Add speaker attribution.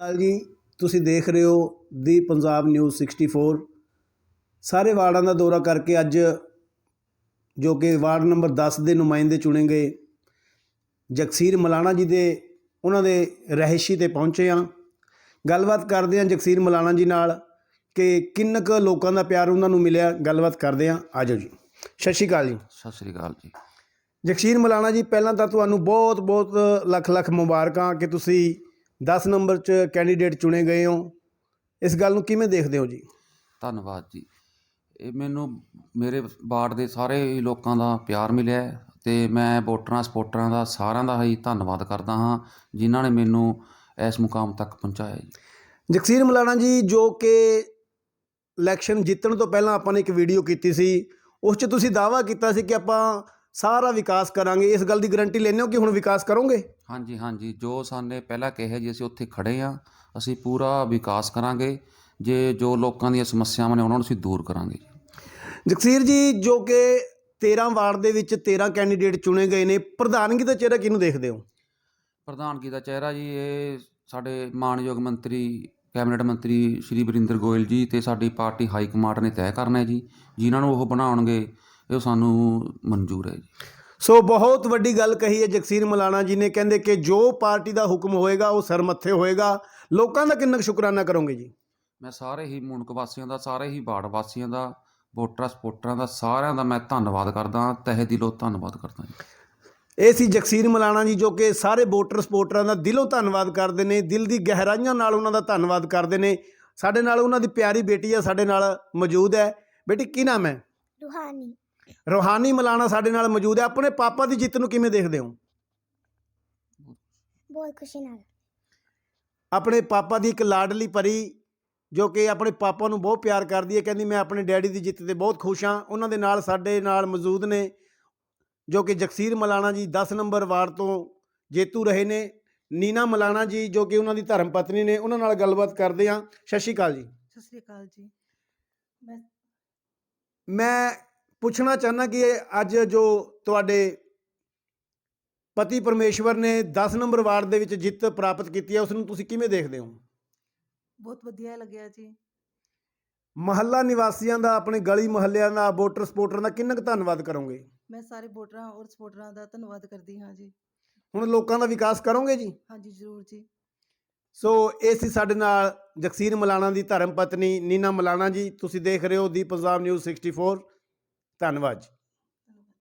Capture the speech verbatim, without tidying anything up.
Speaker 1: ਹਾਲ ਜੀ, ਤੁਸੀਂ ਦੇਖ ਰਹੇ ਹੋ the Punjab news sixty four. ਸਾਰੇ ਵਾਰਡਾਂ ਦਾ ਦੌਰਾ ਕਰਕੇ ਅੱਜ ਜੋ ਕਿ ਵਾਰਡ ਨੰਬਰ ਦਸ ਦੇ ਨੁਮਾਇੰਦੇ ਚੁਣੇ ਗਏ ਜਗਸੀਰ ਮਲਾਣਾ ਜੀ ਦੇ ਉਹਨਾਂ ਦੇ ਰਿਹਾਇਸ਼ੀ 'ਤੇ ਪਹੁੰਚੇ ਹਾਂ। ਗੱਲਬਾਤ ਕਰਦੇ ਹਾਂ ਜਗਸੀਰ ਮਲਾਣਾ ਜੀ ਨਾਲ ਕਿ ਕਿੰਨਾ ਕੁ ਲੋਕਾਂ ਦਾ ਪਿਆਰ ਉਹਨਾਂ ਨੂੰ ਮਿਲਿਆ। ਗੱਲਬਾਤ ਕਰਦੇ ਹਾਂ, ਆ ਜਾਓ ਜੀ। ਸਤਿ ਸ਼੍ਰੀ ਅਕਾਲ ਜੀ।
Speaker 2: ਸਤਿ ਸ਼੍ਰੀ ਅਕਾਲ ਜੀ।
Speaker 1: ਜਗਸੀਰ ਮਲਾਣਾ ਜੀ, ਪਹਿਲਾਂ ਤਾਂ ਤੁਹਾਨੂੰ ਬਹੁਤ ਬਹੁਤ ਲੱਖ ਲੱਖ ਮੁਬਾਰਕਾਂ ਕਿ ਤੁਸੀਂ ਦਸ ਨੰਬਰ 'ਚ ਕੈਂਡੀਡੇਟ ਚੁਣੇ ਗਏ ਹੋ। ਇਸ ਗੱਲ ਨੂੰ ਕਿਵੇਂ ਦੇਖਦੇ ਹੋ ਜੀ?
Speaker 2: ਧੰਨਵਾਦ ਜੀ। ਇਹ ਮੈਨੂੰ ਮੇਰੇ ਵਾਰਡ ਦੇ ਸਾਰੇ ਹੀ ਲੋਕਾਂ ਦਾ ਪਿਆਰ ਮਿਲਿਆ ਅਤੇ ਮੈਂ ਵੋਟਰਾਂ ਸਪੋਰਟਰਾਂ ਦਾ ਸਾਰਿਆਂ ਦਾ ਹੀ ਧੰਨਵਾਦ ਕਰਦਾ ਹਾਂ ਜਿਨ੍ਹਾਂ ਨੇ ਮੈਨੂੰ ਇਸ ਮੁਕਾਮ ਤੱਕ ਪਹੁੰਚਾਇਆ ਜੀ।
Speaker 1: ਜਗਸੀਰ ਮਲਾਣਾ ਜੀ, ਜੋ ਕਿ ਇਲੈਕਸ਼ਨ ਜਿੱਤਣ ਤੋਂ ਪਹਿਲਾਂ ਆਪਾਂ ਨੇ ਇੱਕ ਵੀਡੀਓ ਕੀਤੀ ਸੀ, ਉਸ 'ਚ ਤੁਸੀਂ ਦਾਅਵਾ ਕੀਤਾ ਸੀ ਕਿ ਆਪਾਂ ਸਾਰਾ ਵਿਕਾਸ ਕਰਾਂਗੇ। ਇਸ ਗੱਲ ਦੀ ਗਰੰਟੀ ਲੈਂਦੇ ਹੋ ਕਿ ਹੁਣ ਵਿਕਾਸ ਕਰੋਗੇ?
Speaker 2: ਹਾਂਜੀ ਹਾਂਜੀ, ਜੋ ਸਾਨੇ ਪਹਿਲਾਂ ਕਿਹਾ ਜੀ ਅਸੀਂ ਉੱਥੇ ਖੜ੍ਹੇ ਹਾਂ। ਅਸੀਂ ਪੂਰਾ ਵਿਕਾਸ ਕਰਾਂਗੇ। ਜੇ ਜੋ ਲੋਕਾਂ ਦੀਆਂ ਸਮੱਸਿਆਵਾਂ ਨੇ ਉਹਨਾਂ ਨੂੰ ਅਸੀਂ ਦੂਰ ਕਰਾਂਗੇ।
Speaker 1: ਜਗਸੀਰ ਜੀ, ਜੋ ਕਿ ਤੇਰ੍ਹਾਂ ਵਾਰਡ ਦੇ ਵਿੱਚ ਤੇਰ੍ਹਾਂ ਕੈਂਡੀਡੇਟ ਚੁਣੇ ਗਏ ਨੇ, ਪ੍ਰਧਾਨਗੀ ਦਾ ਚਿਹਰਾ ਕਿਹਨੂੰ ਦੇਖਦੇ ਹੋ?
Speaker 2: ਪ੍ਰਧਾਨਗੀ ਦਾ ਚਿਹਰਾ ਜੀ ਇਹ ਸਾਡੇ ਮਾਣਯੋਗ ਮੰਤਰੀ ਕੈਬਨਿਟ ਮੰਤਰੀ ਸ਼੍ਰੀ ਵਰਿੰਦਰ ਗੋਇਲ ਜੀ ਅਤੇ ਸਾਡੀ ਪਾਰਟੀ ਹਾਈ ਕਮਾਂਡ ਨੇ ਤੈਅ ਕਰਨਾ ਜੀ। ਜਿਨ੍ਹਾਂ ਨੂੰ ਉਹ ਬਣਾਉਣਗੇ ਇਹ ਸਾਨੂੰ ਮਨਜ਼ੂਰ ਹੈ ਜੀ।
Speaker 1: ਸੋ ਬਹੁਤ ਵੱਡੀ ਗੱਲ ਕਹੀ ਹੈ ਜਗਸੀਰ ਮਲਾਣਾ ਜੀ ਨੇ। ਕਹਿੰਦੇ ਕਿ ਜੋ ਪਾਰਟੀ ਦਾ ਹੁਕਮ ਹੋਏਗਾ ਉਹ ਸਿਰ ਮੱਥੇ ਹੋਏਗਾ। ਲੋਕਾਂ ਦਾ ਕਿੰਨਾ ਕੁ ਸ਼ੁਕਰਾਨਾ ਕਰੋਗੇ ਜੀ?
Speaker 2: ਮੈਂ ਸਾਰੇ ਹੀ ਮੂਣਕ ਵਾਸੀਆਂ ਦਾ, ਸਾਰੇ ਹੀ ਵਾਰਡ ਵਾਸੀਆਂ ਦਾ, ਵੋਟਰਾਂ ਸਪੋਰਟਰਾਂ ਦਾ, ਸਾਰਿਆਂ ਦਾ ਮੈਂ ਧੰਨਵਾਦ ਕਰਦਾ, ਤਹਿ ਦਿਲੋਂ ਧੰਨਵਾਦ ਕਰਦਾ ਜੀ।
Speaker 1: ਇਹ ਸੀ ਜਗਸੀਰ ਮਲਾਣਾ ਜੀ, ਜੋ ਕਿ ਸਾਰੇ ਵੋਟਰ ਸਪੋਰਟਰਾਂ ਦਾ ਦਿਲੋਂ ਧੰਨਵਾਦ ਕਰਦੇ ਨੇ, ਦਿਲ ਦੀ ਗਹਿਰਾਈਆਂ ਨਾਲ ਉਹਨਾਂ ਦਾ ਧੰਨਵਾਦ ਕਰਦੇ ਨੇ। ਸਾਡੇ ਨਾਲ ਉਹਨਾਂ ਦੀ ਪਿਆਰੀ ਬੇਟੀ ਆ, ਸਾਡੇ ਨਾਲ ਮੌਜੂਦ ਹੈ। ਬੇਟੀ, ਕੀ ਨਾਮ ਹੈ?
Speaker 3: ਰੂਹਾਨੀ।
Speaker 1: ਰੂਹਾਨੀ ਮਲਾਣਾ ਸਾਡੇ ਨਾਲ ਮੌਜੂਦ ਹੈ। ਆਪਣੇ ਪਾਪਾ ਦੀ ਜਿੱਤ ਨੂੰ ਕਿਵੇਂ ਦੇਖਦੇ ਹੋ?
Speaker 3: ਬਹੁਤ ਖੁਸ਼ੀ ਨਾਲ।
Speaker 1: ਆਪਣੇ ਪਾਪਾ ਦੀ ਇੱਕ ਲਾਡਲੀ ਪਰੀ ਜੋ ਕਿ ਆਪਣੇ ਪਾਪਾ ਨੂੰ ਬਹੁਤ ਪਿਆਰ ਕਰਦੀ ਹੈ, ਕਹਿੰਦੀ ਮੈਂ ਆਪਣੇ ਡੈਡੀ ਦੀ ਜਿੱਤ 'ਤੇ ਬਹੁਤ ਖੁਸ਼ ਹਾਂ। ਉਹਨਾਂ ਦੇ ਨਾਲ ਸਾਡੇ ਨਾਲ ਮੌਜੂਦ ਨੇ ਜੋ ਕਿ ਜਗਸੀਰ ਮਲਾਣਾ ਜੀ ਦਸ ਨੰਬਰ ਵਾਰਡ ਤੋਂ ਜੇਤੂ ਰਹੇ ਨੇ, ਨੀਨਾ ਮਲਾਣਾ ਜੀ ਜੋ ਕਿ ਉਹਨਾਂ ਦੀ ਧਰਮ ਪਤਨੀ ਨੇ। ਉਹਨਾਂ ਨਾਲ ਗੱਲਬਾਤ ਕਰਦੇ ਹਾਂ। ਸਤਿ ਸ਼੍ਰੀ ਅਕਾਲ ਜੀ।
Speaker 4: ਸਤਿ ਸ਼੍ਰੀ ਅਕਾਲ ਜੀ। ਮੈਂ
Speaker 1: ਮੈਂ ਪੁੱਛਣਾ ਚਾਹੁੰਦਾ ਕਿ ਅੱਜ ਜੋ ਤੁਹਾਡੇ ਪਤੀ ਪਰਮੇਸ਼ਵਰ ਨੇ ਦਸ ਨੰਬਰ ਵਾਰਡ ਦੇ ਵਿੱਚ ਜਿੱਤ ਪ੍ਰਾਪਤ ਕੀਤੀ ਹੈ, ਉਸ ਨੂੰ ਤੁਸੀਂ ਕਿਵੇਂ ਦੇਖਦੇ ਹੋ?
Speaker 4: ਬਹੁਤ ਵਧੀਆ ਲੱਗਿਆ ਜੀ।
Speaker 1: ਮਹੱਲਾ ਨਿਵਾਸੀਆਂ ਦਾ, ਆਪਣੇ ਗਲੀ ਮੁਹੱਲਿਆਂ ਦਾ, ਵੋਟਰ ਸਪੋਰਟਰਾਂ ਦਾ ਕਿੰਨਾ ਕੁ ਧੰਨਵਾਦ ਕਰੋਗੇ?
Speaker 4: ਮੈਂ ਸਾਰੇ ਵੋਟਰਾਂ ਔਰ ਸਪੋਰਟਰਾਂ ਦਾ ਧੰਨਵਾਦ ਕਰਦੀ ਹਾਂ ਜੀ।
Speaker 1: ਹੁਣ ਲੋਕਾਂ ਦਾ ਵਿਕਾਸ ਕਰੋਗੇ ਜੀ?
Speaker 4: ਹਾਂਜੀ, ਜ਼ਰੂਰ ਜੀ।
Speaker 1: ਸੋ ਇਹ ਸੀ ਸਾਡੇ ਨਾਲ ਜਗਸੀਰ ਮਲਾਣਾ ਦੀ ਧਰਮ ਪਤਨੀ ਨੀਨਾ ਮਲਾਣਾ ਜੀ। ਤੁਸੀਂ ਦੇਖ ਰਹੇ ਹੋ the Punjab news sixty four. ਧੰਨਵਾਦ ਜੀ।